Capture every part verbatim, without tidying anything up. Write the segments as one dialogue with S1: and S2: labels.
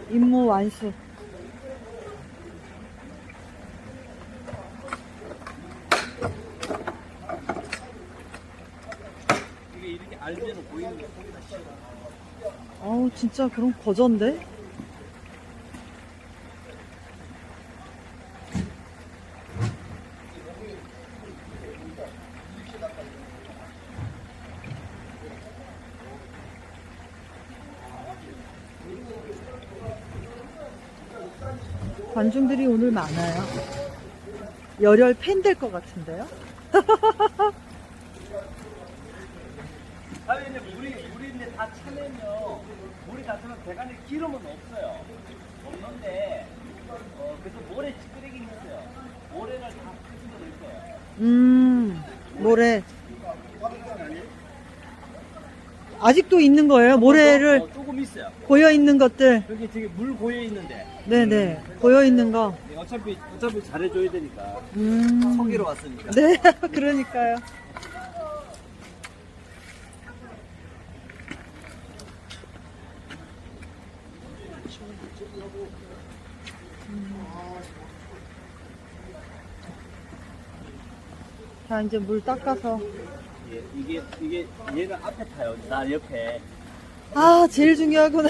S1: 임무 완수.
S2: 이게 이렇게 알면은 보이는 게 소리가 싫어.
S1: 어우, 진짜 그럼 거전데? 관중들이 오늘 많아요. 열혈 팬 될 것 같은데요?
S2: 아니 근데 물이 물이 이제 다 차면요. 물이 다 차면 배관에 기름은 없어요. 없는데 어 그래서 모래 찌끄레기 있어요. 모래를 다 끄집어 낼 거예요.
S1: 음, 모래. 아직도 있는 거예요? 모래를
S2: 어, 조금 있어요.
S1: 고여 있는 것들.
S2: 여기 되게 물 고여 있는데.
S1: 네네. 고여 있는 거.
S2: 어차피 어차피 잘해줘야 되니까.
S1: 음.
S2: 성기로 왔으니까.
S1: 네, 그러니까요. 자, 이제 물 닦아서.
S2: 예, 이게 이게 얘가 앞에 타요. 나 옆에.
S1: 아, 제일 중요하구나.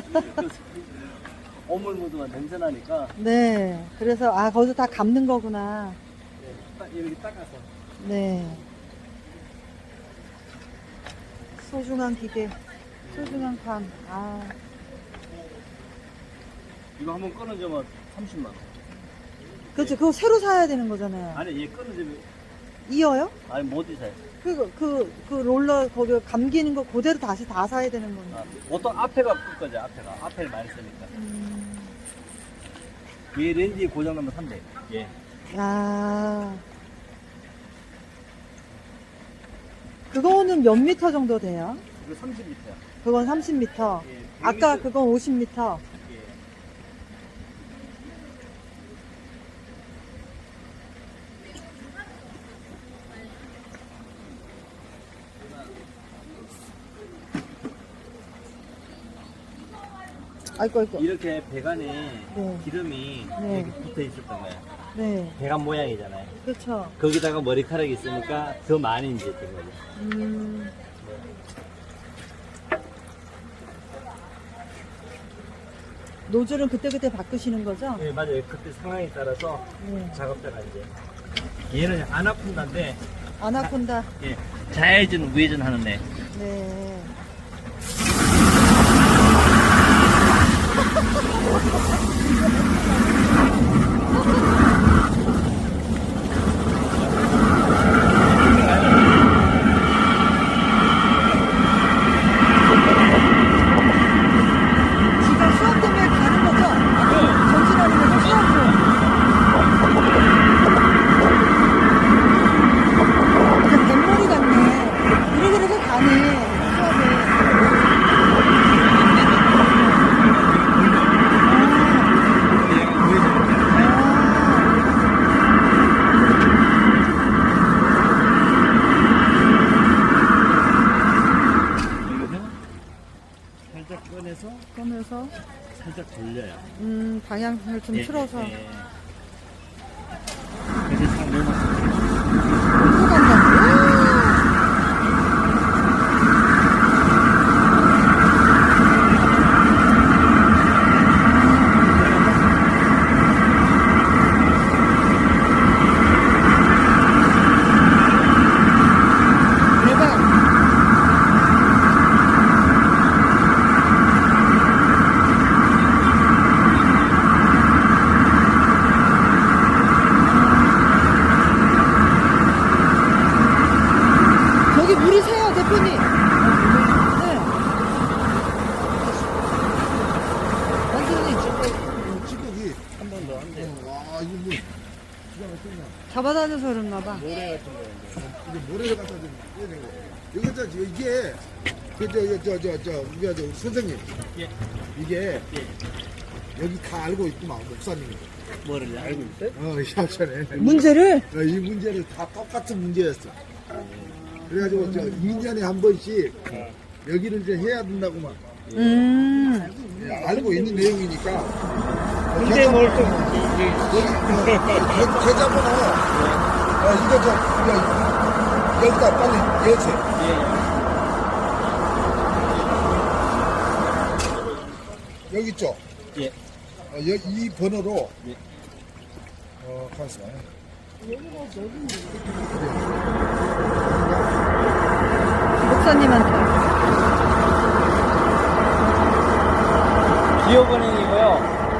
S2: 오물 묻으면 냄새 나니까.
S1: 네. 그래서, 아, 거기서 다 감는 거구나.
S2: 예, 딱 이렇게 닦아서.
S1: 네. 소중한 기계. 소중한 감. 아.
S2: 이거 한번 끊어주면 삼십만 원.
S1: 그렇죠. 그거 새로 사야 되는 거잖아요.
S2: 아니 얘 끊어주면
S1: 이어요?
S2: 아니 못 이사요.
S1: 그, 그, 그 롤러 거기 감기는 거 그대로 다시 다 사야 되는 건데.
S2: 아, 보통 앞에가 끌 거죠. 앞에가 앞에를 많이 쓰니까.
S1: 음.
S2: 얘 렌즈 고장 나면 산대. 예.
S1: 아. 그거는 몇 미터 정도 돼요?
S2: 이거 삼십 미터야.
S1: 그건 삼십 미터.
S2: 예,
S1: 아까
S2: 백 미터.
S1: 그건 오십 미터.
S2: 예.
S1: 아이고, 아이고.
S2: 이렇게 배관에
S1: 네.
S2: 기름이
S1: 네.
S2: 이렇게 붙어 있었던 거야.
S1: 네.
S2: 배관 모양이잖아요.
S1: 그렇죠.
S2: 거기다가 머리카락이 있으니까 더 많이 이제 된 거죠.
S1: 음. 노즐은 그때그때 바꾸시는 거죠?
S2: 네, 맞아요. 그때 상황에 따라서
S1: 네.
S2: 작업자가 이제 얘는 안 아픈다는데
S1: 아나콘다.
S2: 예, 좌회전 우회전 하는데
S1: 네. 지금 수업 때문에 가는 거죠? 전진하는 거죠? 수업으로. 그냥 뱃머리 같네. 그래 그래서 가네. 수업에.
S2: 얘가 우회전. 여기서 살짝 꺼내서
S1: 그러면서
S2: 살짝 돌려요.
S1: 음 방향을 좀
S2: 예,
S1: 틀어서
S2: 예, 예. 그래서 딱 넘어서
S1: 또 간다. 대박. 저기 물이 새요, 대표님. 네. 완전히
S3: 찌꺼기.
S2: 한 번 더 한대.
S3: 와, 이거 뭐, 기가 막히냐.
S1: 잡아다녀서 그런가 봐.
S2: 모래 같은 거인데.
S3: 이게 모래를 갖다 좀 해야 되는 거. 이거 저, 이게, 그, 저, 저, 저, 저, 우리 저, 선생님.
S2: 예.
S3: 이게,
S2: 예.
S3: 여기 다 알고 있구만, 목사님이.
S2: 뭐를 알고 있어요?
S3: 어, 샤브샤네.
S1: 문제를
S3: 어, 이 문제를 다 똑같은 문제였어. 그래가지고, 저, 이 년에 한 번씩, 여기를 이제 해야 된다고만.
S1: 음.
S3: 예, 알고 있는 내용이니까.
S2: 근데 뭘 또,
S3: 여기, 계- 계좌번호. 어, 이거 저, 이거, 여기다 빨리 여세요.
S2: 예.
S3: 여기 있죠?
S2: 예.
S3: 어, 여, 이 번호로.
S2: 예.
S3: 어, 가만있어.
S1: 목사님한테.
S2: 기업원에